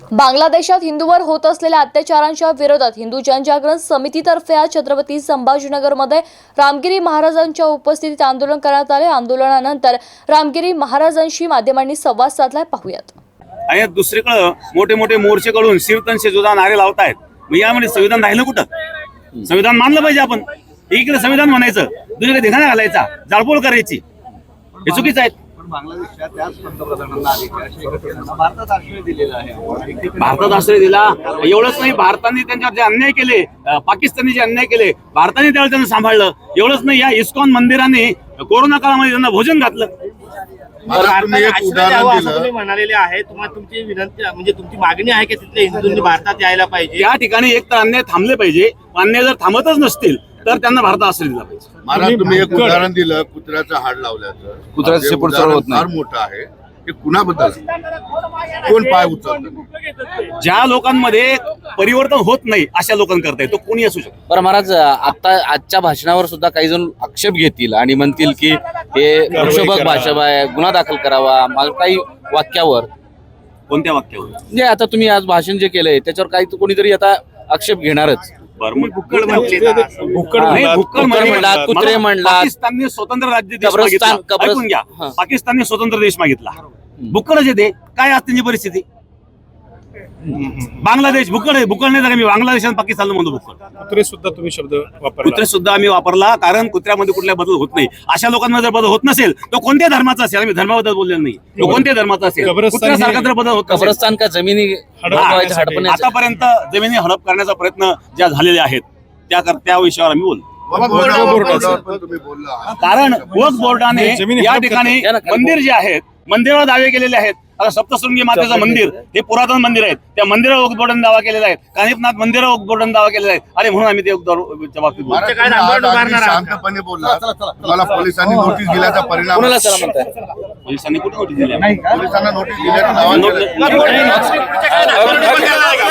बांगलादेशात हिंदूवर होत असलेल्या अत्याचारांच्या विरोधात हिंदू जनजागरण समितीतर्फे आज छत्रपती संभाजीनगरमध्ये रामगिरी महाराजांच्या उपस्थितीत आंदोलन करण्यात आले। आंदोलनानंतर रामगिरी महाराजांशी माध्यमांनी संवाद साधलाय, पाहूयात। आणि दुसरीकडे मोठे मोठे मोर्चे कडून शिवतन शेजुदा नारे लावतायत। मग यामध्ये संविधान राहिलं कुठं? संविधान मानलं पाहिजे आपण। इकडे संविधान म्हणायचं, दुसरीकडे धिंगाणा घालायचा, जाळपोळ करायची, हे चुकीचं आहे। बांगलादेशच्या त्याच पंतप्रधानांना भारतात आश्रय दिलेला आहे। भारतात आश्रय दिला एवढंच नाही, भारताने त्यांच्यावर जे अन्याय केले, पाकिस्तानने जे अन्याय केले, भारताने त्यावेळेस त्यांना सांभाळलं। एवढंच नाही, या इस्कॉन मंदिराने कोरोना काळामध्ये त्यांना भोजन घातलं। तुम्ही म्हणालेले आहे, तुम्हाला तुमची विनंती म्हणजे तुमची मागणी आहे की तिथल्या हिंदूंनी भारतात यायला पाहिजे। या ठिकाणी एक तर अन्याय थांबले पाहिजे, अन्याय जर थांबतच नसतील तर त्यांना भारतात आश्रय दिला पाहिजे। महाराज, तुम्ही एक उदाहरण दिलं कुत्र्याचं हाड लावल्याचं। कुत्र्याचं शेपूट सरळ होत नाही, फार मोठं आहे। हे कुणाबद्दल? कोण पाय उचलतं? ज्या लोकांमध्ये परिवर्तन होत नाही अशा लोकांकरता तो कोणी असू शकतो। बरं महाराज, आता आजच्या भाषणावर सुद्धा काही जण आक्षेप घेतील आणि म्हणतील की हे प्रक्षोभक भाषा आहे, गुन्हा दाखल करावा, काही वाक्यावर। कोणत्या वाक्यावर? म्हणजे आता तुम्ही आज भाषण जे केलंय त्याच्यावर काही कोणीतरी आता आक्षेप घेणारच। भुक्कड म्हणला, कुत्रे म्हणला, पाकिस्तानने स्वतंत्र राज्य देश मागितला। ऐकून घ्या, पाकिस्तानने स्वतंत्र देश मागितला, भुक्कडच येते। काय आज त्यांची परिस्थिती? बांगलादेश भुक्कड आहे, भुक्कड नाही, मी बांगलादेश आणि पाकिस्तानला म्हणतो भुक्कड। कुत्रे सुद्धा तुम्ही शब्द वापरला, कुत्रे सुद्धा आम्ही वापरला, कारण कुत्र्यामध्ये कुठल्या बदल होत नाही। अशा लोकांमध्ये जर बदल होत नसेल तो कोणत्या धर्माचा असेल, आम्ही धर्माबद्दल बोललेलो नाही, तो कोणत्या धर्माचा असेल, कुत्र्यासारखा जर बदल होत नसेल, कब्रस्तान का जमिनी आतापर्यंत जमिनी हडप करण्याचा प्रयत्न ज्या झालेले आहेत त्या विषयावर आम्ही बोलतो। तुम्ही बोलला, कारण वक्फ बोर्डाने या ठिकाणी मंदिर जे आहेत, मंदिरावर दावे केलेले आहेत। आता सप्तशृंगी मातेचं मंदिर हे पुरातन मंदिर आहे, त्या मंदिरावर वक्फ बोर्डाने दावा केलेला आहे, कानिफनाथ मंदिरावर वक्फ बोर्डाने दावा केलेला आहे, आणि म्हणून आम्ही त्या बाबतीत बोलतो। शांतपणे बोलला, तुम्हाला पोलिसांनी नोटीस दिल्याचा परिणाम? पोलिसांनी कुठे नोटीस दिली? पोलिसांना नोटीस दिल्याचं